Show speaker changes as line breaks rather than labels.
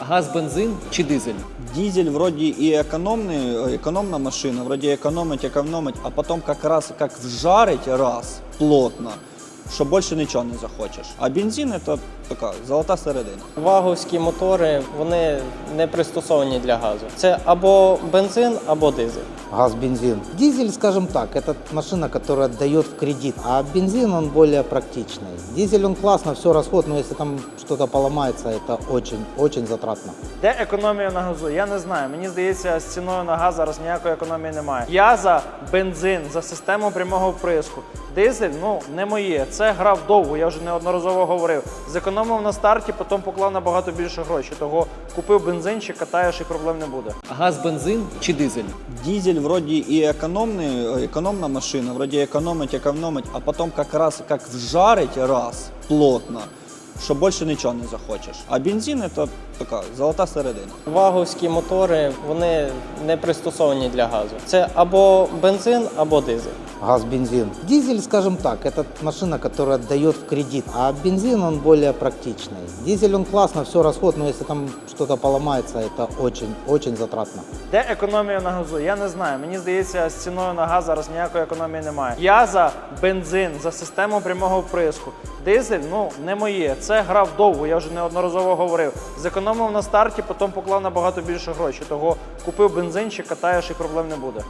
Газ, бензин чи дизель?
Дизель вроде и экономный, экономная машина, вроде экономить, а потом как раз как вжарить раз плотно, що більше нічого не захочеш. А бензин – це така золота середина.
Ваговські мотори, вони не пристосовані для газу. Це або бензин, або дизель.
Газ, бензин. Дизель, скажем так, это машина, которая дает в кредит, а бензин он более практичный. Дизель он классно, все расход, но если там что-то поломается, это очень затратно.
Де економія на газу? Я не знаю. Мені здається, з ціною на газ зараз ніякої економії немає. Я за бензин, за систему прямого вприску. Дизель, не моє. Це грав довго, я вже неодноразово говорив. Зекономив на старті, потім поклав набагато більше грошей. Того купив бензинчик, катаєш і проблем не буде.
Газ, бензин чи дизель?
Дизель вроде и экономный, экономная машина, вроде экономить, а потом как раз как вжарить раз плотно, що більше нічого не захочеш. А бензин – це така золота середина.
Ваговські мотори, вони не пристосовані для газу. Це або бензин, або дизель.
Газ, бензин. Дизель, скажем так, это машина, которая дает в кредит, а бензин он более практичный. Дизель он классно, все расход, но если там что-то поломается, это очень затратно.
Де економія на газу? Я не знаю. Мені здається, з ціною на газ зараз ніякої економії немає. Я за бензин, за систему прямого вприску. Дизель, не моє. Це грав довго, я вже неодноразово говорив. Зекономив на старті, потім поклав набагато більше грошей. Того купив бензинчик, катаєш і проблем не буде.